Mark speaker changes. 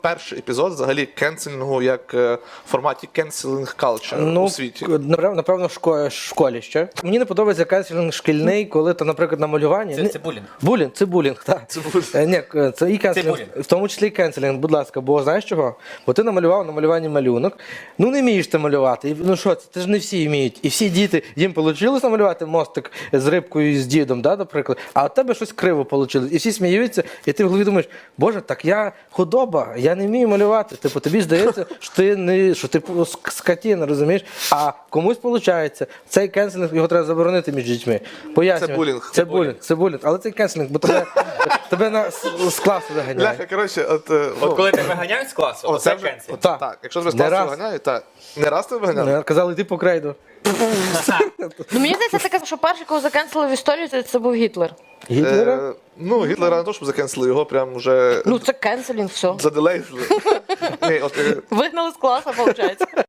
Speaker 1: перший епізод взагалі кенселінгу як в форматі canceling culture у світі?
Speaker 2: Напевно, в школі ще. Мені не подобається кенселінг шкільний, коли то, наприклад, на малюванні.
Speaker 3: Це булінг.
Speaker 2: Це булінг, так. Ні, це і кенселінг, в тому числі і кенселінг, будь ласка, бо знаєш чого? Бо ти намалював на малюванні малюнок, ну не вмієш ти малювати, ну що це ж не всі вміють. І всі діти, їм вийшло намалювати мостик з рибкою і з дідом, да, наприклад, а у тебе щось криво вийшло. І всі сміються, і ти в голові думаєш, боже, так я худоба, я не вмію малювати. Типу, тобі здається, що ти скотина, розумієш? А комусь виходить. Цей кенселінг, його треба заборонити між дітьми. Пояснюю. Це булінг. Але це кенселінг, бо тебе з класу виганяють.
Speaker 1: Бляха, коротше,
Speaker 3: От коли тебе виганяють з класу, це кенселінг.
Speaker 1: Так, якщо тебе з класу виганяють, так. Не раз тебе виганяли?
Speaker 2: Казали, йди по крейду.
Speaker 4: Ну, мені здається, таке, що перший, кого закенселив в історію, це був Гітлер.
Speaker 2: Гітлера?
Speaker 1: Ну, Гітлера не то, щоб закенсили, його прям вже
Speaker 4: Ну, це кенселінг, все.
Speaker 1: заделейзили.
Speaker 4: Вигнали з класу, виходить.